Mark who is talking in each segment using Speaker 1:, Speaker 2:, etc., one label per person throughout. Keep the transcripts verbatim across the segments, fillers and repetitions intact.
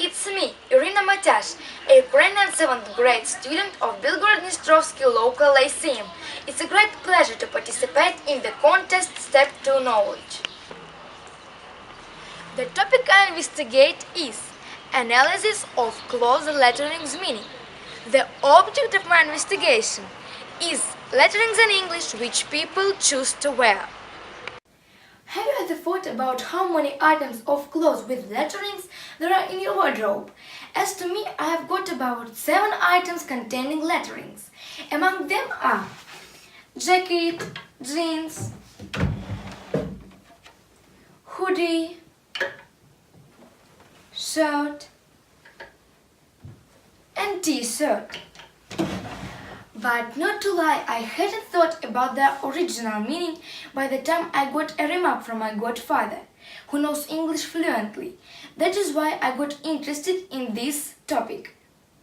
Speaker 1: it's me, Irina Matyash, a Ukrainian seventh grade student of Belgorod-Dnistrovsky Local Lyceum. It's a great pleasure to participate in the contest Step to Knowledge. The topic I investigate is analysis of close lettering's meaning. The object of my investigation is letterings in English which people choose to wear. Have you ever thought about how many items of clothes with letterings there are in your wardrobe? As to me, I have got about seven items containing letterings. Among them are jacket, jeans, hoodie, shirt, and t-shirt. But not to lie, I hadn't thought about the original meaning by the time I got a remark from my godfather, who knows English fluently. That is why I got interested in this topic.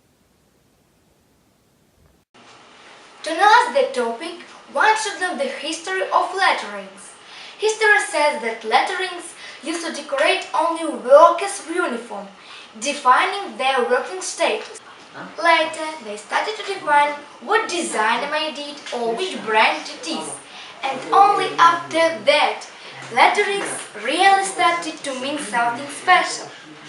Speaker 1: To analyze the topic, one should know the history of letterings. History says that letterings used to decorate only workers' uniform, defining their working status. Later, they started to define what designer made it or which brand it is. And only after that, letterings really started to mean something special.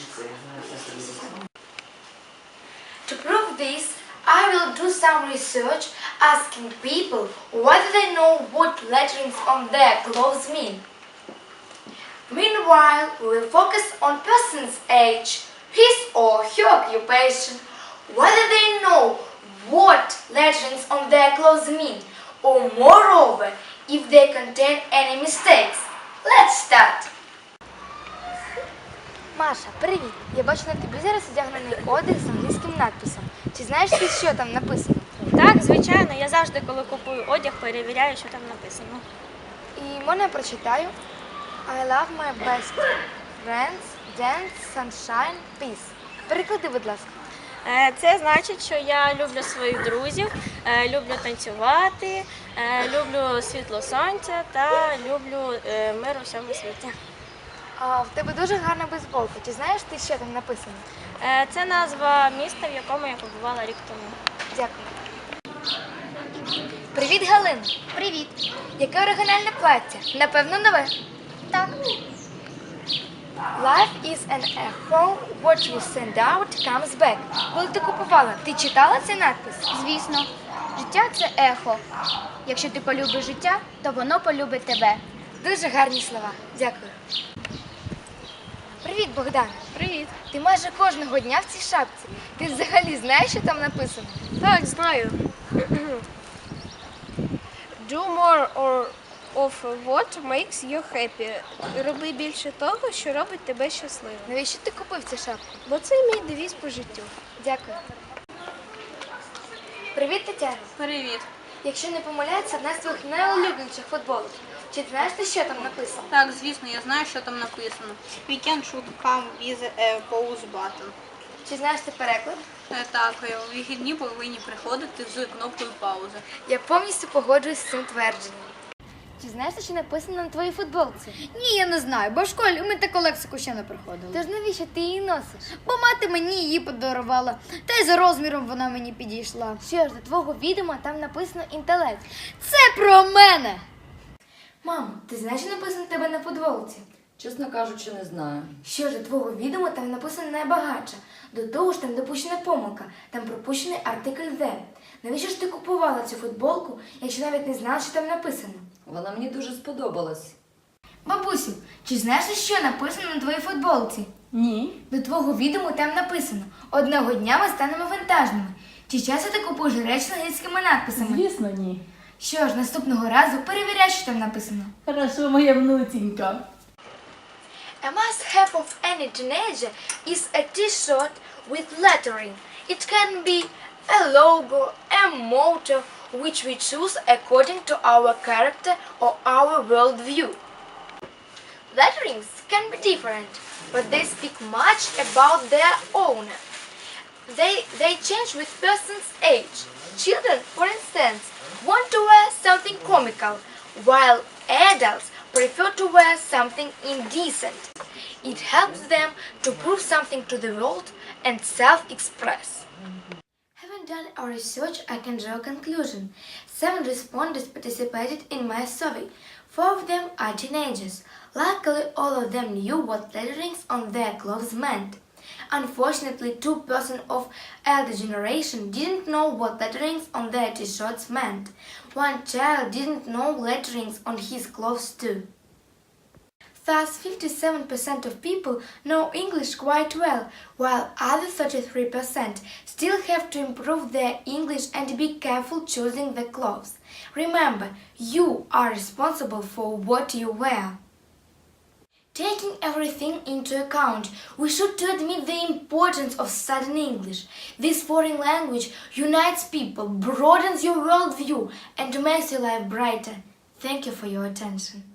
Speaker 1: To prove this, I will do some research asking people whether they know what letterings on their clothes mean. Meanwhile, we will focus on person's age, his or her occupation, whether they know what letterings on their clothes mean, or moreover, if they contain any mistakes. Let's start! Маша, привіт! Я бачу на тобі зараз одягнений одяг з англійським надписом. Чи знаєш ти, що там написано?
Speaker 2: Так, звичайно, я завжди, коли купую одяг, перевіряю, що там написано.
Speaker 1: І можна я прочитаю? I love my best friends, dance, sunshine, peace. Переклади, будь ласка.
Speaker 2: Це значить, що я люблю своїх друзів, люблю танцювати, люблю світло сонця та люблю мир у всьому світі.
Speaker 1: А в тебе дуже гарна бейсболка. Чи знаєш ти, що там написано?
Speaker 2: Це назва міста, в якому я побувала рік тому.
Speaker 1: Дякую. Привіт, Галина.
Speaker 3: Привіт.
Speaker 1: Яке оригінальне плаття? Напевно, нове.
Speaker 3: Так.
Speaker 1: Life is an echo, what you send out comes back. Коли ти купувала, ти читала цей надпис?
Speaker 3: Звісно. Життя – це ехо. Якщо ти полюбиш життя, то воно полюбить тебе.
Speaker 1: Дуже гарні слова. Дякую. Привіт, Богдан.
Speaker 2: Привіт.
Speaker 1: Ти майже кожного дня в цій шапці. Ти взагалі знаєш, що там написано?
Speaker 2: Так, знаю. Do more or of what makes you happy. Роби більше того, що робить тебе щасливим.
Speaker 1: Навіщо ти купив цю шапку?
Speaker 2: Бо це мій девіз по життю.
Speaker 1: Дякую. Привіт, Тетяна.
Speaker 2: Привіт.
Speaker 1: Якщо не помиляється, одна з твоїх найулюбленіших футболок. Чи ти знаєш ти, що там написано?
Speaker 4: Так, звісно, я знаю, що там написано. Weekend should come with a pause button.
Speaker 1: Чи знаєш ти переклад?
Speaker 4: Е, Так, е, вихідні повинні приходити з кнопкою паузи.
Speaker 1: Я повністю погоджуюсь з цим твердженням. Чи знаєш, що написано на твоїй футболці?
Speaker 3: Ні, я не знаю, бо в школі ми таку лексику ще не проходили.
Speaker 1: Тож навіщо ти її носиш?
Speaker 3: Бо мати мені її подарувала, та й за розміром вона мені підійшла.
Speaker 1: Що ж, до твого відома там написано інтелект.
Speaker 3: Це про мене!
Speaker 1: Мамо, ти знаєш, що написано в тебе на футболці?
Speaker 5: Чесно кажучи, не знаю.
Speaker 1: Що ж, до твого відома там написано найбагатша. До того ж, там допущена помилка, там пропущений артикль «the». Навіщо ж ти купувала цю футболку, якщо навіть не знала, що там написано?
Speaker 5: Вона мені дуже сподобалась.
Speaker 1: Бабусю, чи знаєш, що написано на твоїй футболці?
Speaker 5: Ні.
Speaker 1: До твого відому там написано «Одного дня ми станемо вантажними». Чи часто ти купуєш речі з англійськими надписами?
Speaker 6: Звісно, ні.
Speaker 1: Що ж, наступного разу перевіряй, що там написано.
Speaker 6: Хорошо, моя внуцінька.
Speaker 1: A must-have of any teenager is a t-shirt with lettering. It can be a logo, a motto, which we choose according to our character or our worldview. Letterings can be different, but they speak much about their owner. They, they change with person's age. Children, for instance, want to wear something comical, while adults prefer to wear something indecent. It helps them to prove something to the world and self-express. Having done our research, I can draw a conclusion. Seven respondents participated in my survey. Four of them are teenagers. Luckily, all of them knew what letterings on their clothes meant. Unfortunately, two persons of elder generation didn't know what letterings on their t-shirts meant. One child didn't know letterings on his clothes too. Thus, fifty-seven percent of people know English quite well, while other thirty-three percent still have to improve their English and be careful choosing the clothes. Remember, you are responsible for what you wear. Taking everything into account, we should to admit the importance of studying English. This foreign language unites people, broadens your worldview, and makes your life brighter. Thank you for your attention.